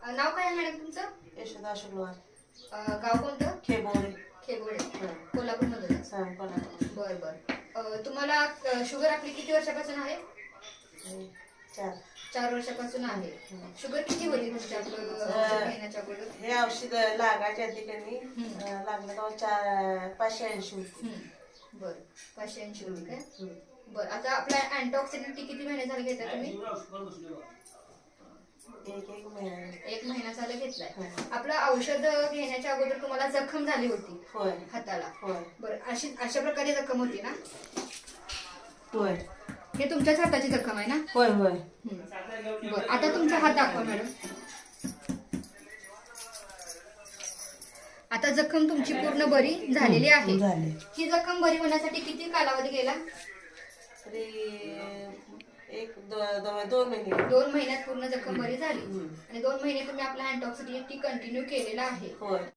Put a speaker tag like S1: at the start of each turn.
S1: नाव काय आहे मॅडम तुमचं?
S2: यशोदा शुक्रवार.
S1: गाव कोणतं?
S2: खेबोडे.
S1: खेबोडे.
S2: हं.
S1: कोल्हापूरमध्ये.
S2: कोल्हापूर.
S1: बर बर. तुम्हाला शुगर आपली किती वर्षापासून आहे?
S2: 4.
S1: 4 वर्षापासून आहे. शुगर किती होती तुमच्या औषध घेण्याच्या अगोदर?
S2: हे औषध लागायच्या आधी कधी लागलं तेव्हा 580 होती.
S1: बर, 580 होती काय? बर. आता आपल्या अँटीऑक्सिडंट किती महिने झाले घेताय तुम्ही? एक महिना झाला घेतलाय. आपलं औषध घेण्याच्या अगोदर तुम्हाला जखम झाली होती
S2: होय
S1: हाताला?
S2: होय.
S1: बरं, अशा प्रकारे जखम होती ना?
S2: होय.
S1: हे तुमच्याच हाताची जखम आहे ना?
S2: होय होय.
S1: बरं, आता तुमचा हात दाखवा मॅडम. आता जखम तुमची पूर्ण बरी झालेली आहे. ही जखम बरी होण्यासाठी किती कालावधी गेला?
S2: तरी 2 महिने.
S1: 2 महिन्यात पूर्ण जखम बरी झाली. आणि 2 महिने तुम्ही आपला अँटीऑक्सिडंट कंटिन्यू केलेला आहे.
S2: होय.